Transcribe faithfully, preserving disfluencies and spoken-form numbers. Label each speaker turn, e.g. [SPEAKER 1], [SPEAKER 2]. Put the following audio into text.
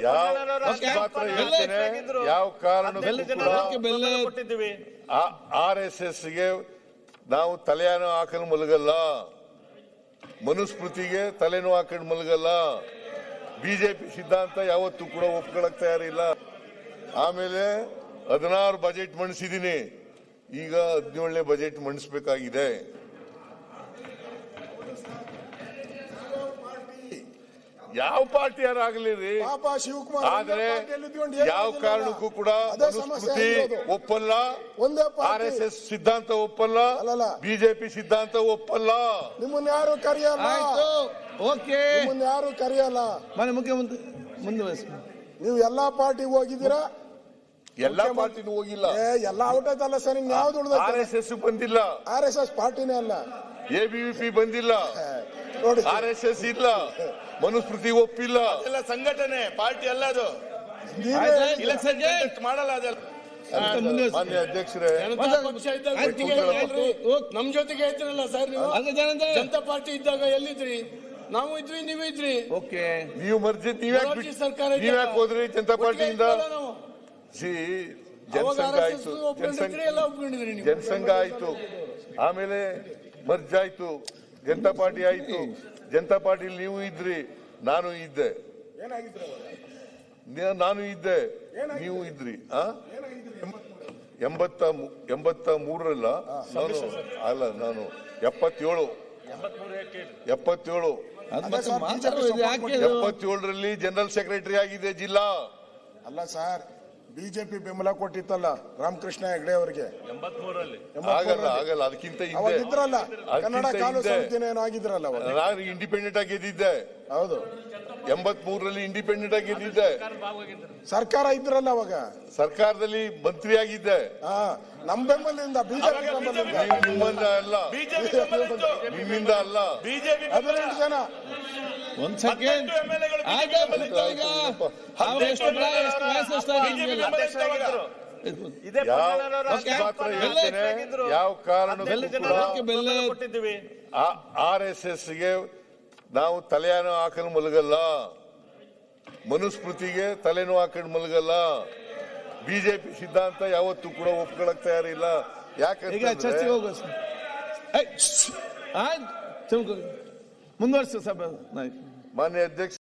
[SPEAKER 1] ಯಾವ ಕಾರಣಕ್ಕೂ R S S ಗೆ ನಾವು ತಲೆಯನ್ನು ಹಾಕಲು ಮಲಗಲ್ಲ, ಮನುಸ್ಮೃತಿಗೆ ತಲೆನೂ ಹಾಕೊಂಡು ಮಲಗಲ್ಲ, ಬಿಜೆಪಿ ಸಿದ್ಧಾಂತ ಯಾವತ್ತೂ ಕೂಡ ಒಪ್ಕೊಳಕ್ ತಯಾರಿಲ್ಲ. ಆಮೇಲೆ ಹದಿನಾರು ಬಜೆಟ್ ಮಂಡಿಸಿದೀನಿ, ಈಗ ಹದಿನೇಳನೇ ಬಜೆಟ್ ಮಂಡಿಸಬೇಕಾಗಿದೆ. ಯಾವ ಪಾರ್ಟಿ ಯಾರಾಗಲಿ ರೀ, ಆದ್ರೆ ಯಾವ ಕಾರಣಕ್ಕೂ ಕೂಡ ಮನುಸ್ಮೃತಿ ಒಪ್ಪಲ್ಲ, ಆರ್ ಎಸ್ ಎಸ್ ಸಿದ್ಧಾಂತ ಒಪ್ಪಲ್ಲ, ಬಿಜೆಪಿ ಸಿದ್ಧಾಂತ ಒಪ್ಪಲ್ಲ.
[SPEAKER 2] ನಿಮ್ಮನ್ನ ಯಾರು ಕರೆಯಲ್ಲ, ನಿಮ್ಮನ್ನ ಯಾರು ಕರೆಯಲ್ಲ.
[SPEAKER 3] ಮನೆ ಮುಖ್ಯಮಂತ್ರಿ ಮುಂದುವರಿಸಿ.
[SPEAKER 2] ನೀವು ಎಲ್ಲಾ ಪಾರ್ಟಿಗೆ ಹೋಗಿದ್ದೀರಾ?
[SPEAKER 1] ಎಲ್ಲಾ ಪಾರ್ಟಿನೂ ಹೋಗಿಲ್ಲ.
[SPEAKER 2] ಎಲ್ಲಾ ಔಟ್ ಆಯ್ತಲ್ಲ ಸರ್. ಇನ್ ಯಾವ್ದು ಉಳಿದ?
[SPEAKER 1] ಆರ್ ಎಸ್ ಎಸ್ ಬಂದಿಲ್ಲ,
[SPEAKER 2] ಆರ್ ಎಸ್ ಎಸ್ ಪಾರ್ಟಿನೇ ಅಲ್ಲ,
[SPEAKER 1] ಎ ಬಿ ವಿ ಪಿ ಬಂದಿಲ್ಲ, ಆರ್ ಎಸ್ ಎಸ್ ಇಲ್ಲ, ಮನುಸ್ಮೃತಿ ಒಪ್ಪಿಲ್ಲ.
[SPEAKER 4] ಅದೆಲ್ಲ ಸಂಘಟನೆ, ಪಾರ್ಟಿ ಅಲ್ಲ ಅದು. ಮಾಡಲ್ಲ ಅದೆಲ್ಲ.
[SPEAKER 1] ಮಾನ್ಯ ಅಧ್ಯಕ್ಷರೇ,
[SPEAKER 4] ನಮ್ ಜೊತೆಗೆ ಇದ್ರಲ್ಲ ಸರ್ ನೀವು. ಜನತಾ ಪಾರ್ಟಿ ಇದ್ದಾಗ ಎಲ್ಲಿದ್ರಿ? ನಾವು ಇದ್ವಿ, ನೀವು ಇದ್ರಿ.
[SPEAKER 3] ಓಕೆ,
[SPEAKER 1] ನೀವು ಮರ್ಜಿ ನೀವ್ಯಾಕೆ ಸರ್ಕಾರ ನೀವ್ಯಾಕೆ ಹೋದ್ರಿ ಜನತಾ ಪಾರ್ಟಿಯಿಂದ? ಸಿ ಜನಸಂಘ ಆಯ್ತು, ಜನಸಂಘ ಆಯ್ತು, ಆಮೇಲೆ ಮರ್ಜ್ ಆಯ್ತು, ಜನತಾ ಪಾರ್ಟಿ ಆಯ್ತು. ಜನತಾ ಪಾರ್ಟಿಲಿ ನೀವು ಇದ್ರಿ, ನಾನು ಇದ್ದೆ, ನಾನು ಇದ್ದೆ, ನೀವು ಇದ್ರಿ. ಆ ಎಂಬತ್ತ ಎಂಬತ್ತ ಮೂರರಲ್ಲ ನಾನು ಅಲ್ಲ, ನಾನು ಎಪ್ಪತ್ತೇಳು ಎಪ್ಪತ್ತೇಳು ಎಪ್ಪತ್ತೇಳರಲ್ಲಿ ಜನರಲ್ ಸೆಕ್ರೆಟರಿ ಆಗಿದೆ ಜಿಲ್ಲಾ.
[SPEAKER 2] ಅಲ್ಲ ಸರ್, ಬಿಜೆಪಿ ಬೆಂಬಲ ಕೊಟ್ಟಿತ್ತಲ್ಲ ರಾಮಕೃಷ್ಣ ಹೆಗಡೆ ಅವರಿಗೆ.
[SPEAKER 1] ಆಗಲ್ಲ ಆಗಲ್ಲ ಅದಕ್ಕಿಂತ
[SPEAKER 2] ಇದ್ರಲ್ಲ, ಕನ್ನಡ ಕಾಲು ಸಮಿತಿನ ಆಗಿದ್ರಲ್ಲ,
[SPEAKER 1] ನಾನು ಇಂಡಿಪೆಂಡೆಂಟ್ ಆಗಿ ಗೆದ್ದಿದ್ದೆ.
[SPEAKER 2] ಹೌದು,
[SPEAKER 1] ಎಂಬತ್ ಮೂರರಲ್ಲಿ ಇಂಡಿಪೆಂಡೆಂಟ್ ಆಗಿ ಗೆದ್ದಿದ್ದೆ.
[SPEAKER 2] ಸರ್ಕಾರ ಇದ್ರಲ್ಲ ಅವಾಗ,
[SPEAKER 1] ಸರ್ಕಾರದಲ್ಲಿ ಮಂತ್ರಿ ಆಗಿದ್ದೆ.
[SPEAKER 2] ನಮ್ಮ ಬೆಂಬಲದಿಂದ, ಬಿಜೆಪಿ
[SPEAKER 1] ನಿಮ್ಮಿಂದ ಅಲ್ಲ, ನಿಮ್ಮಿಂದ ಅಲ್ಲ.
[SPEAKER 2] ಹದಿನೆಂಟು ಜನ.
[SPEAKER 3] ಒಂದ್ ಸೆಕೆಂಡ್,
[SPEAKER 1] ಯಾವ ಕಾರಣಕ್ಕೂ ಆರ್ ಎಸ್ ಎಸ್ ಗೆ ನಾವು ತಲೆಯನ್ನು ಹಾಕಲು ಮಲಗಲ್ಲ, ಮನುಸ್ಮೃತಿಗೆ ತಲೆನೂ ಹಾಕೊಂಡು ಮಲಗಲ್ಲ, ಬಿಜೆಪಿ ಸಿದ್ಧಾಂತ ಯಾವತ್ತೂ ಕೂಡ ಒಪ್ಕೊಳಕ್ ತಯಾರಿಲ್ಲ. ಯಾಕಂದ್ರೆ
[SPEAKER 3] ಮುಂದುವರಿಸ ಸಭೆ.
[SPEAKER 1] ಮಾನ್ಯ ಅಧ್ಯಕ್ಷ